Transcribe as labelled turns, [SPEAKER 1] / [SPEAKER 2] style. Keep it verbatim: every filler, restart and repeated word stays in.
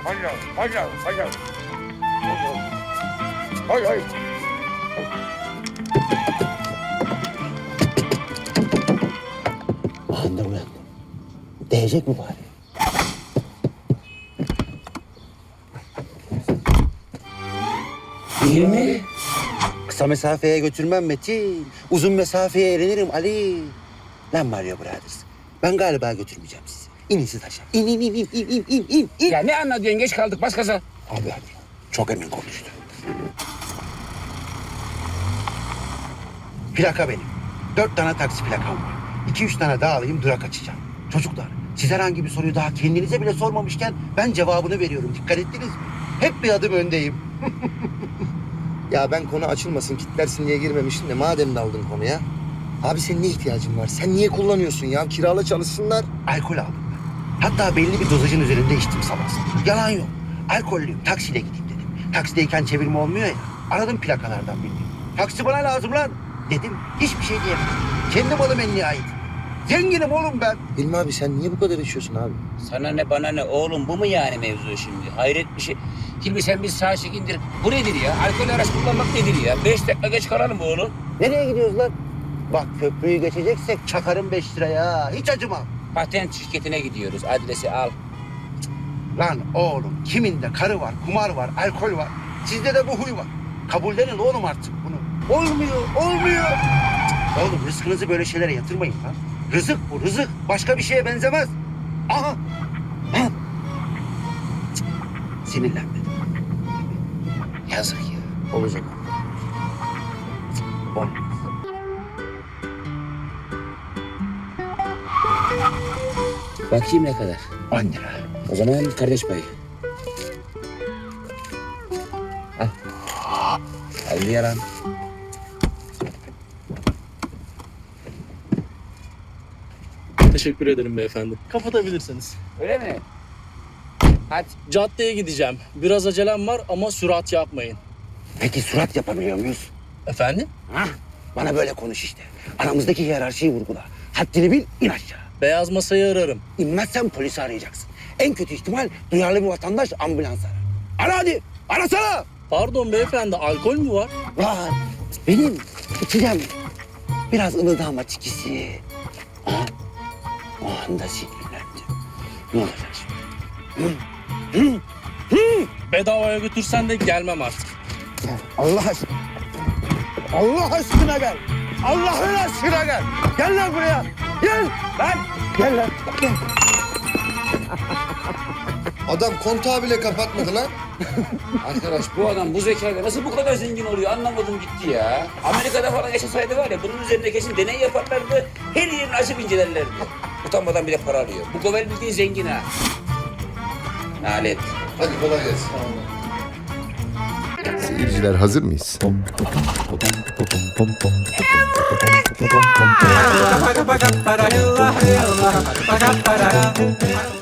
[SPEAKER 1] Hayır, hayır, hayır. Hayır, hayır.
[SPEAKER 2] Anladım ulan. Değecek mi bari? Değil mi? Kısa mesafeye götürmem Metin. Uzun mesafeye eğlenirim Ali. Lan Mario Brothers. Ben galiba götürmeyeceğim sizi. İnin siz aşağı. İn, in, in, in, in, in, in, in, in.
[SPEAKER 3] Ya ne anlatıyorsun? Geç kaldık. Bas gaza.
[SPEAKER 2] Abi hadi. Çok emin konuştu. Plaka benim. Dört tane taksi plakam var. İki üç tane daha alayım durak açacağım. Çocuklar siz herhangi bir soruyu daha kendinize bile sormamışken ben cevabını veriyorum. Dikkat ettiniz mi? Hep bir adım öndeyim.
[SPEAKER 4] Ya ben konu açılmasın, kitlersin diye girmemiştim de madem daldın konuya. Abi senin ne ihtiyacın var? Sen niye kullanıyorsun ya? Kirala çalışsınlar.
[SPEAKER 2] Alkol aldım ben. Hatta belli bir dozajın üzerinde içtim sabah sabah. Yalan yok. Alkollüyüm. Taksiyle gideyim dedim. Taksideyken çevirme olmuyor ya. Aradım plakalardan birini. Taksi bana lazım lan dedim. Hiçbir şey diyemedim. Kendi malım en nihayet. Zenginim oğlum ben.
[SPEAKER 4] Hilmi abi sen niye bu kadar içiyorsun abi?
[SPEAKER 3] Sana ne bana ne oğlum, bu mu yani mevzu şimdi? Hayret bir şey. Hilmi sen bir sağ çek indir. Bu nedir ya? Alkol araç kullanmak nedir ya? Beş dakika geç kalalım oğlum.
[SPEAKER 2] Nereye gidiyoruz lan? Bak köprüyü geçeceksek çakarım beş liraya. Hiç acımam.
[SPEAKER 3] Patent şirketine gidiyoruz. Adresi al.
[SPEAKER 2] Lan oğlum kiminde karı var, kumar var, alkol var. Sizde de bu huy var. Kabullenin oğlum artık bunu. Olmuyor, olmuyor. Cık, Oğlum rızkınızı böyle şeylere yatırmayın lan. Rızık bu, rızık. Başka bir şeye benzemez. Aha. Ha. Cık, Sinirlenmedim. Yazık ya.
[SPEAKER 4] Olacak.
[SPEAKER 2] Olmaz.
[SPEAKER 3] Bakayım ne kadar.
[SPEAKER 2] On lira.
[SPEAKER 3] O zaman kardeş payı. Al. Al yaran.
[SPEAKER 5] Teşekkür ederim beyefendi. Kapatabilirsiniz.
[SPEAKER 3] Öyle mi? Hadi.
[SPEAKER 5] Caddeye gideceğim. Biraz acelem var ama sürat yapmayın.
[SPEAKER 2] Peki surat yapabiliyor muyuz?
[SPEAKER 5] Efendim?
[SPEAKER 2] Hah, bana böyle konuş işte. Aramızdaki hiyerarşiyi vurgula. Haddini bil, in aşağı.
[SPEAKER 5] Beyaz masayı ararım.
[SPEAKER 2] İnmezsen polisi arayacaksın. En kötü ihtimal duyarlı bir vatandaş ambulans arar. Ara hadi, arasana.
[SPEAKER 5] Pardon beyefendi, alkol mü var?
[SPEAKER 2] Var, benim içeceğim. Biraz ılıdı ama çikisi. Aha, o anda sinirlendim. Ne olacak şimdi? Hı, hı, hı.
[SPEAKER 5] Bedavaya götürsen de gelmem artık.
[SPEAKER 2] Gel, Allah aşkına. Allah aşkına gel. Allah'ın aşkına gel. Gel lan buraya. Gel lan. Gel lan. Gel.
[SPEAKER 4] Adam kontağı bile kapatmadı lan.
[SPEAKER 3] Arkadaş bu adam bu zekayla nasıl bu kadar zengin oluyor anlamadım gitti ya. Amerika'da falan yaşasaydı var ya bunun üzerinde kesin deney yaparlardı. Her yerini açıp incelerlerdi. Utanmadan bile para alıyor. Bu Govel bildiğin zengin ha. Nalet.
[SPEAKER 4] Hadi kolay gelsin.
[SPEAKER 6] Seyirciler hazır mıyız?
[SPEAKER 7] Ba-da-ba-da-ba-da-ba-da-ba-da-ba-da-ba-da-ba-da-ba-da-ba-da-ba-da-ba-da-ba-da-ba-da